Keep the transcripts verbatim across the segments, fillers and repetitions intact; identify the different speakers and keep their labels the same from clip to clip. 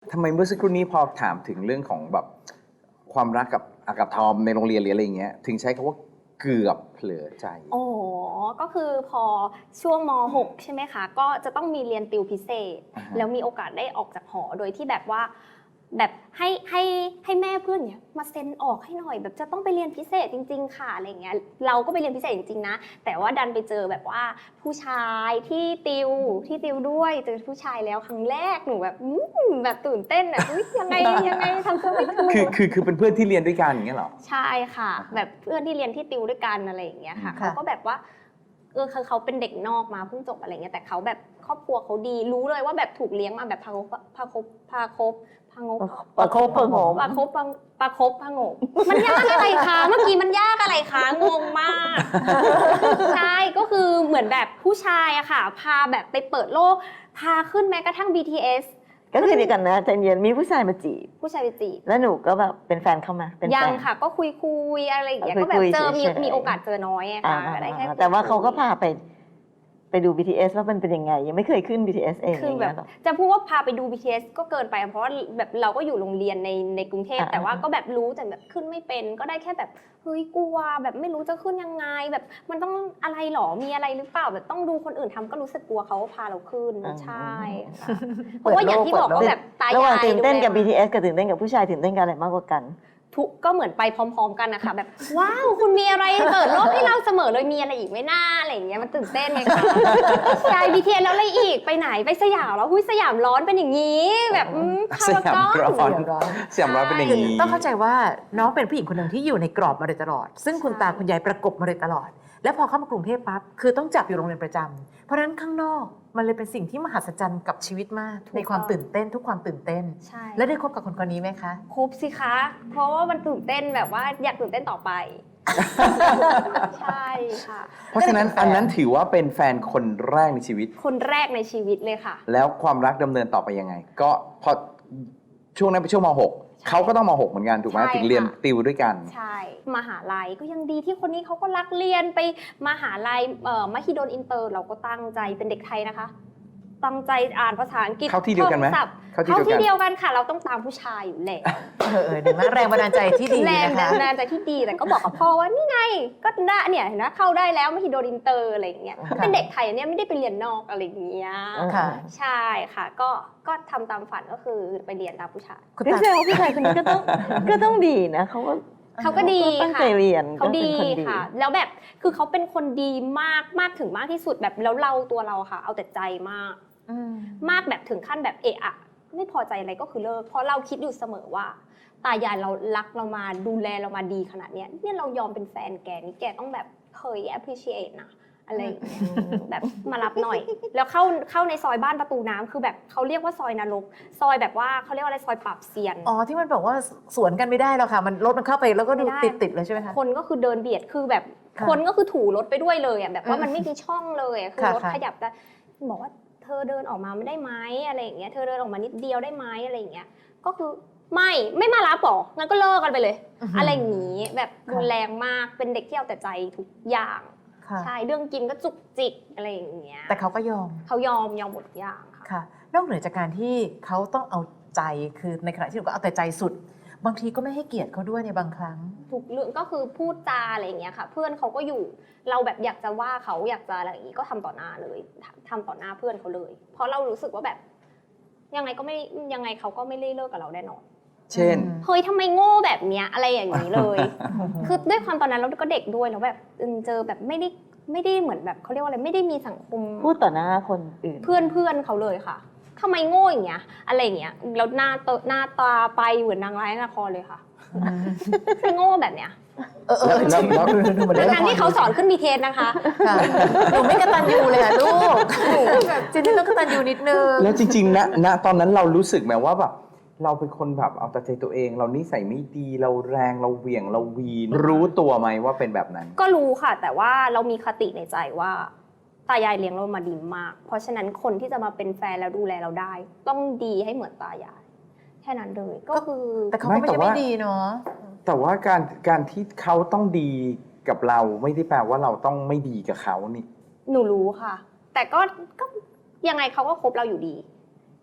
Speaker 1: ทำไมเมื่อสักครู่นี้พอถามถึงเรื่องของแบบความรักกับอากับทอมในโรงเรียนหรืออะไรอย่างเงี้ยถึงใช้คำว่าเกือบเผลอใจ
Speaker 2: โอ้ก็คือพอช่วงม หก ใช่ไหมคะก็จะต้องมีเรียนติวพิเศษแล้วมีโอกาสได้ออกจากหอโดยที่แบบว่าแบบให้ให้ให้แม่เพื่อนเนี่ยมาเซ็นออกให้หน่อยแบบจะต้องไปเรียนพิเศษจริงๆค่ะอะไรเงี้ยเราก็ไปเรียนพิเศษจริงๆนะแต่ว่าดันไปเจอแบบว่าผู้ชายที่ติวที่ติวด้วยเจอผู้ชายแล้วครั้งแรกหนูแบบแบบตื่นเต้นแบบยังไงยังไงทำตัวไม่ถูก
Speaker 1: คือคือคือเป็นเพื่อนที่เรียนด้วยกันอย่างเงี้ยหรอ
Speaker 2: ใช่ค่ะแบบเพื่อนที่เรียนที่ติวด้วยกันอะไรอย่างเงี้ยค่ะเขาก็แบบว่าเออเขาเป็นเด็กนอกมาเพิ่งจบอะไรเงี้ยแต่เขาแบบครอบครัวเขาดีรู้เลยว่าแบบถูกเลี้ยงมาแบบพาคบพาคบพาคบพางบ
Speaker 3: ปลาคบปลาโงม
Speaker 2: ปลาคบปลาคบพางบมันยากอะไรคะเมื่อกี้มันยากอะไรคะงงมากใช่ก็คือเหมือนแบบผู้ชายอะค่ะพาแบบไปเปิดโลกพาขึ้นแม้กระทั่ง บี ที เอส
Speaker 3: ก็คือเดียวกันนะใจเย็นมีผู้ชายมาจีบ
Speaker 2: ผู้ชายไปจีบ
Speaker 3: แล้วหนูก็แบบเป็นแฟนเข้ามาเป็นแฟน
Speaker 2: ยังค่ะก็คุยคุยอะไรอย่างเงี้ยก็แบบเจอมีมีโอกาสเจอน้อยอะค่ะได้แค่
Speaker 3: แต่ว่าเขาก็พาไปไปดู บี ที เอส ว่ามันเป็นยังไงยังไม่เคยขึ้น บี ที เอส เอง
Speaker 2: คือแบบจะพูดว่าพาไปดู บี ที เอส ก็เกินไปเพราะว่าแบบเราก็อยู่โรงเรียนในในกรุงเทพแต่ว่าก็แบบรู้แต่แบบขึ้นไม่เป็นก็ได้แค่แบบเฮ้ยกลัวแบบไม่รู้จะขึ้นยังไงแบบมันต้องอะไรหรอมีอะไรหรือเปล่าแบบต้องดูคนอื่นทำก็รู้สึกกลัวเขาพาเราขึ้นใช่ค่ะเพราะว่าอย่างที่บอกว่าแบบตายาย
Speaker 3: ระหว่างตื่นเต้นกับ บี ที เอส กับตื่นเต้นกับผู้ชายตื่นเต้นกับอะไรมากกว่ากัน
Speaker 2: ทุกก็เหมือนไปพร้อมๆกันนะคะแบบว้าวคุณมีอะไรเปิดโลกให้เราเสมอเลยมีอะไรอีกไม่น่าอะไรอย่างเงี้ยมันตื่นเต้นไงคะใช่ บี ที เอส แล้วอะไรอีกไปไหนไปสยามแล้วหุ้ยสยามร้อนเป็นอย่างนี้แบบพารากอน
Speaker 1: สยามร้อนสยามร้อนเป็นอย่างนี้
Speaker 4: ต้องเข้าใจว่าน้องเป็นผู้หญิงคนหนึ่งที่อยู่ในกรอบมาโดยตลอดซึ่งคุณตาคุณยายประกบมาโดยตลอดแล้วพอเข้ามากรุงเทพปั๊บคือต้องจับอยู่โรงเรียนประจำเพราะฉะนั้นข้างนอกมันเลยเป็นสิ่งที่มหัศจรรย์กับชีวิตมากในความตื่นเต้นทุกความตื่นเต้น
Speaker 2: ใช่
Speaker 4: แล้วได้คบกับคนคนนี้ไหมคะ
Speaker 2: คบสิคะเพราะว่ามันตื่นเต้นแบบว่าอยากตื่นเต้นต่อไปใช่ค่ะ
Speaker 1: เพราะฉะนั้นอันนั้นถือว่าเป็นแฟนคนแรกในชีวิต
Speaker 2: คนแรกในชีวิตเลยค่ะ
Speaker 1: แล้วความรักดำเนินต่อไปยังไงก็พอช่วงนั้นเป็นช่วงม หกเขาก็ต้องม หกเหมือนกันถูกไหมถึงเรียนติวด้วยกัน
Speaker 2: ใช่มหาลัยก็ยังดีที่คนนี้เขาก็รักเรียนไปมหาลัยเอ่อมหิดลอินเตอร์เราก็ตั้งใจเป็นเด็กไทยนะคะตั้งใจอ่านภาษาอังกฤษ
Speaker 1: เข้าที่เดียวกันไหม
Speaker 2: เข้าที่เดียวกันค่ะเราต้องตามผู้ชายอยู่แหละ
Speaker 4: เออเดี๋ยวนะแรงบันดาลใจที่ดีนะคะ
Speaker 2: แรงบันดาลใจที่ดีแต่ก็บอกกับพ่อว่านี่ไงก็ได้เนี่ยเห็นไหมเข้าได้แล้วมหิดลอินเตอร์อะไรอย่างเงี้ยเป็นเด็กไทยเนี่ยไม่ได้ไปเรียนนอกอะไรอย่างเงี้ยใช่ค่ะก็ก็ทำตามฝันก็คือไปเรียนตามผู้ชาย
Speaker 3: คือแสดงว่าผู้ชายคนนี้ก็ต้องก็ต้องดีนะเขาก็
Speaker 2: เขาก็ดี
Speaker 3: ตั้งใจเรียน
Speaker 2: เขาดีค่ะแล้วแบบคือเขาเป็นคนดีมากมากถึงมากที่สุดแบบแล้วเราตัวเราค่ะเอาแต่ใจมากมากแบบถึงขั้นแบบเอะอะไม่พอใจอะไรก็คือเลิกเพราะเราคิดอยู่เสมอว่าตายายเรารักเรามาดูแลเรามาดีขนาดเนี้ยเนี่ยเรายอมเป็นแฟนแกนี่แกต้องแบบเคย appreciate นะอะไรแบบมารับหน่อยแล้วเข้าเข้าในซอยบ้านประตูน้ำคือแบบเขาเรียกว่าซอยนรกซอยแบบว่าเขาเรียกว่าอะไรซอยปราบเซียน
Speaker 4: อ๋อที่มันบอกว่าสวนกันไม่ได้แล้วค่ะมันรถมันเข้าไปแล้วก็ดูติดติดเลยใช่ไหมคะ
Speaker 2: คนก็คือเดินเบียดคือแบบคนก็คือถูรถไปด้วยเลยอ่ะแบบว่ามันไม่มีช่องเลยคือรถขยับแต่บอกว่าเธอเดินออกมาไม่ได้ไหมอะไรอย่างเงี้ยเธอเดินออกมานิดเดียวได้ไหมอะไรอย่างเงี้ยก็คือไม่ไม่มารับหรองั้นก็เลิกกันไปเลยอะไรอย่างงี้แบบรุนแรงมากเป็นเด็กที่เอาแต่ใจทุกอย่างใช่เรื่องกินก็จุกจิกอะไรอย่างเงี้ย
Speaker 4: แต่เขาก็ยอม
Speaker 2: เขายอมยอมหมดอย่าง
Speaker 4: ค่ะนอกเหนือจากการที่เขาต้องเอาใจคือในขณะที่เราก็เอาแต่ใจสุดบางทีก็ไม่ให้เกียรติเขาด้วยในบางครั้ง
Speaker 2: ทุกเรื่องก็คือพูดจาอะไรอย่างเงี้ยค่ะเพื่อนเขาก็อยู่เราแบบอยากจะว่าเขาอยากจะอะไรอย่างงี้ก็ทำต่อหน้าเลยทำต่อหน้าเพื่อนเขาเลยเพราะเรารู้สึกว่าแบบยังไงก็ไม่ยังไงเขาก็ไม่ได้เลิกกับเราแน่นอน
Speaker 1: เช่น
Speaker 2: เฮ้ยทำไมโง่แบบเนี้ยอะไรอย่างนี้เลยคือด้วยความตอนนั้นเราก็เด็กด้วยแล้วแบบเจอแบบไม่ได้ไม่ได้เหมือนแบบเขาเรียกว่าอะไรไม่ได้มีสังคม
Speaker 3: พูดต่อหน้าคนอื่น
Speaker 2: เพื่อนเพื่อนเขาเลยค่ะทำไมโง่อย่างเงี้ยอะไรอย่างเงี้ยแล้วหน้าหน้าตาไปเหมือนนางร้ายละครเลยค่ะคือโง่แบบเนี้ย
Speaker 4: เออเออแล้ว
Speaker 2: แล้วทั้งที่เขาสอนขึ้นบีเทสนะคะ
Speaker 4: หนูไม่กตัญญูเลยค่ะลูกแบบจริงๆต้องกตัญญูนิดนึง
Speaker 1: แล้วจริงๆนะณตอนนั้นเรารู้สึกไหมว่าแบบเราเป็นคนแบบเอาแต่ใจตัวเองเรานิสัยไม่ดีเราแรงเราเหวี่ยงเราวีนรู้ตัวไหมว่าเป็นแบบนั้น
Speaker 2: ก็รู้ค่ะแต่ว่าเรามีคติในใจว่าตายายเลี้ยงเรามาดีมากเพราะฉะนั้นคนที่จะมาเป็นแฟนแล้วดูแลเราได้ต้องดีให้เหมือนตายายแค่นั้นเลยก็คือ
Speaker 4: แต่เขาก็ไม่ใช่ไม่ดีเนาะ
Speaker 1: แต่ว่าการการที่เขาต้องดีกับเราไม่ได้แปลว่าเราต้องไม่ดีกับเขานี่
Speaker 2: หนูรู้ค่ะแต่ก็ก็ยังไงเขาก็คบเราอยู่ดี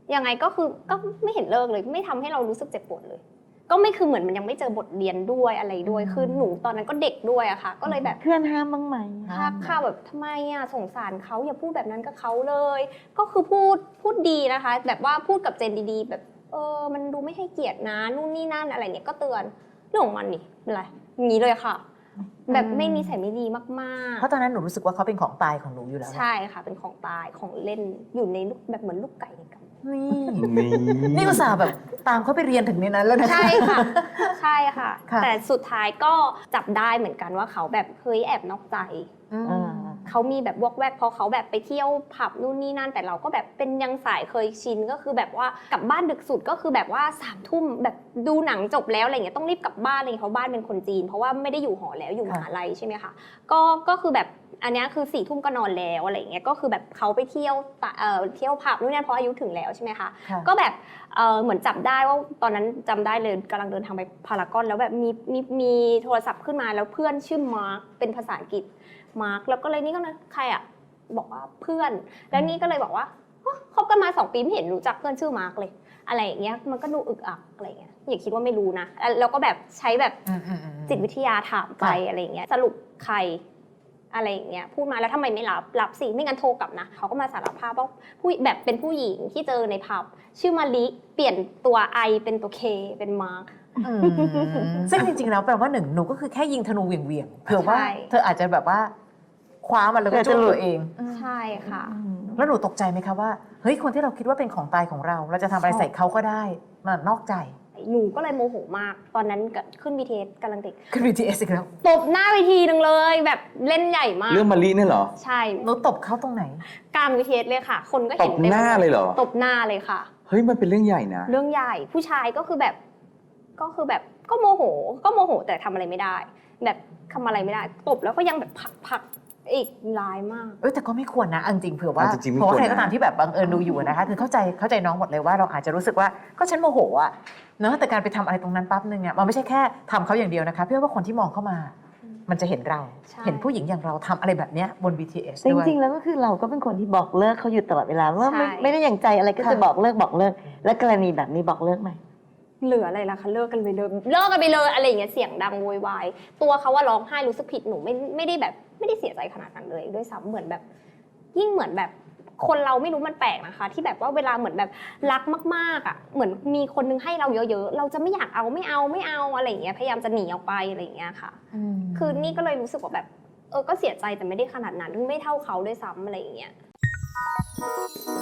Speaker 2: ยังไงก็คือก็ไม่เห็นเลิกเลยไม่ทำให้เรารู้สึกเจ็บปวดเลย ก็ไม่คือเหมือนมันยังไม่เจอบทเรียนด้วยอะไรด้วยคือหนูตอนนั้นก็เด็กด้วยอะค่ะ ก็เลยแบบ
Speaker 3: เพื่อนห้ามบ้างไหม
Speaker 2: ถ้าข่าวแบบทำไมอะสงสารเขาอย่าพูดแบบนั้นกับเขาเลย ก็คือพูดพูดดีนะคะ แบบว่าพูดกับเจนดีๆ แบบเออมันดูไม่ให้เกียรตินะนู่นนี่นั่นอะไรเงี้ยก็เตือนเรื่องของมันนี่เป็นไรอย่างนี้เลยค่ะ แบบไม่นิสัยไม่ดีมากๆ
Speaker 4: เพราะตอนนั้นหนูรู้สึกว่าเขาเป็นของตายของหนูอยู่แล้ว
Speaker 2: ใช่ค่ะเป็นของตายของเล่นอยู่ในลูกแบบเหมือนลูกไก่ในกำ
Speaker 4: นี่
Speaker 1: นี่
Speaker 4: นี่อุตส่าห์แบบตามเขาไปเรียนถึงในนั้นแล้วนะ
Speaker 2: ใช่ค่ะใช่ค่ะ
Speaker 4: ค่ะ
Speaker 2: แต่สุดท้ายก็จับได้เหมือนกันว่าเขาแบบเฮ้ยแอบนอกใจ
Speaker 4: อืม
Speaker 3: อ่า
Speaker 2: เขามีแบบวอกแวกเพราะเขาแบบไปเที่ยวผับนู่นนี่นั่นแต่เราก็แบบเป็นยังสายเคยชินก็คือแบบว่ากลับบ้านดึกสุดก็คือแบบว่าสามทุ่มแบบดูหนังจบแล้วอะไรเงี้ยต้องรีบกลับบ้านอะไรเงี้ยเพราะบ้านเป็นคนจีนเพราะว่าไม่ได้อยู่หอแล้วอยู่มหาลัยใช่ไหมคะก็ก็คือแบบอันนี้คือสี่ทุ่มก็นอนแล้วอะไรเงี้ยก็คือแบบเขาไปเที่ยวเอ่อเที่ยวผับนู่นนั่นเพราะอายุถึงแล้วใช่ไหมคะ
Speaker 4: ค่ะ
Speaker 2: ก็แบบเออเหมือนจับได้ว่าตอนนั้นจำได้เลยกำลังเดินทางไปพารากอนแล้วแบบมีมีมีโทรศัพท์ขึ้นมาแล้วเพื่อนชื่อมาร์คเป็นภาษาอังกฤษมาร์คแล้วก็เลยนี่ก็เลยใครอ่ะบอกว่าเพื่อนแล้วนี่ก็เลยบอกว่าฮะคบกันมาสองปีไม่เห็นรู้จักเพื่อนชื่อมาร์คเลยอะไรอย่างเงี้ยมันก็ดูอึกอักอะไรอย่างเงี้ยอย่าคิดว่าไม่รู้นะแล้วก็แบบใช้แบบ
Speaker 4: อืมอืมอืม
Speaker 2: จิตวิทยาถามไป
Speaker 4: ค่ะ
Speaker 2: อะไรอย่างเงี้ยสรุปใครอะไรอย่างเงี้ยพูดมาแล้วทำไมไม่รับรับสิไม่งั้นโทรกลับนะเขาก็มาสารภาพว่าผู้แบบเป็นผู้หญิงที่เจอในผับชื่อมาลิเปลี่ยนตัว I เป็นตัว K เป็นมาร์ค
Speaker 4: อืมซึ่งจริงๆแล้วแปลว่าหนึ่งหนูก็คือแค่ยิงธนูเหวี่ยงๆเผื่อว่า
Speaker 2: ใช่
Speaker 4: เธออาจจะแบบว่าคว้ามันแล้วก็จุ่มตัวเอง
Speaker 2: ใช่ค่ะ
Speaker 4: แล้วหนูตกใจไหมคะว่าเฮ้ยคนที่เราคิดว่าเป็นของตายของเรา เราจะทำอะไรใส่เขาก็ได้มันนอกใจ
Speaker 2: หนูก็เลยโมโหมาก ตอนนั้นก็ขึ้น บี ที เอส กำลังเด็ก
Speaker 4: ขึ้น บี ที เอส อีกแล้ว
Speaker 2: ตบหน้าเวทีนึงเลย แบบเล่นใหญ่มาก
Speaker 1: เรื่องมารีเนี่ยเหรอ
Speaker 2: ใช่
Speaker 4: หนูตบเขาตรงไหน
Speaker 2: กลาง บี ที เอส เลยค่ะ คนก็
Speaker 1: ต
Speaker 2: เห็น
Speaker 1: บหน้าเลยเหรอ
Speaker 2: ตบหน้าเลยค่ะ
Speaker 1: เฮ้ยมันเป็นเรื่องใหญ่นะ
Speaker 2: เรื่องใหญ่ผู้ชายก็คือแบบก็คือแบบก็โมโห ก็โมโหแต่ทำอะไรไม่ได้ แบบทำอะไรไม่ได้ตบแล้วก็ยังแบบผลักผลักอีกร้ายมาก
Speaker 4: เอ้ยแต่ก็ไม่ควรนะเอาจริงๆเผื่อว่า
Speaker 1: อ่ะจริงๆไม่
Speaker 4: เพราะว่า
Speaker 1: ควร
Speaker 4: ใครก็
Speaker 1: นะ
Speaker 4: ตามที่แบบบังเอิญดูอยู่นะคะคือเข้าใจเข้าใจน้องหมดเลยว่าเราอาจจะรู้สึกว่าก็ฉันโมโหอะเนอะแต่การไปทำอะไรตรงนั้นปั๊บนึงอะมันไม่ใช่แค่ทำเขาอย่างเดียวนะคะเพื่อว่าคนที่มองเข้ามา มันจะเห็นเรา
Speaker 2: ใช่
Speaker 4: เห็นผู้หญิงอย่างเราทำอะไรแบบเนี้ยบน บี ที เอส
Speaker 3: จ
Speaker 4: ด้วย
Speaker 3: ริงๆแล้วก็คือเราก็เป็นคนที่บอกเลิกเขาอยู่ตลอดเวลาว่าไม่
Speaker 2: ใช่
Speaker 3: ไม่ได้อย่างใจอะไรก็
Speaker 4: ค่ะ
Speaker 3: จะบอกเลิกบอกเลิก และกรณีแบบนี้บอกเลิกไหม
Speaker 2: เหลืออะไรล่ะคะเลิกกันไปเลยเลิกกันไปเลยอะไรอย่างเงี้ยเสียงดังโวยวายตัวเขาว่าร้องไห้รู้สึกผิดหนูไม่ไม่ได้แบบไม่ได้เสียใจขนาดนั้นเลยด้วยซ้ำเหมือนแบบ ยิ่งเหมือนแบบคนเราไม่รู้มันแปลกนะคะ ที่แบบว่าเวลาเหมือนแบบรักมากๆอ่ะเหมือนมีคนนึงให้เราเยอะๆเราจะไม่อยากเอาไม่เอาไม่เอาอะไรอย่างเงี้ยพยายามจะหนีออกไปอะไรอย่างเงี้ยค่ะ คือนี่ก็เลยรู้สึกว่าแบบเออก็เสียใจแต่ไม่ได้ขนาดนั้นไม่เท่าเขาด้วยซ้ำอะไรอย่างเงี้ย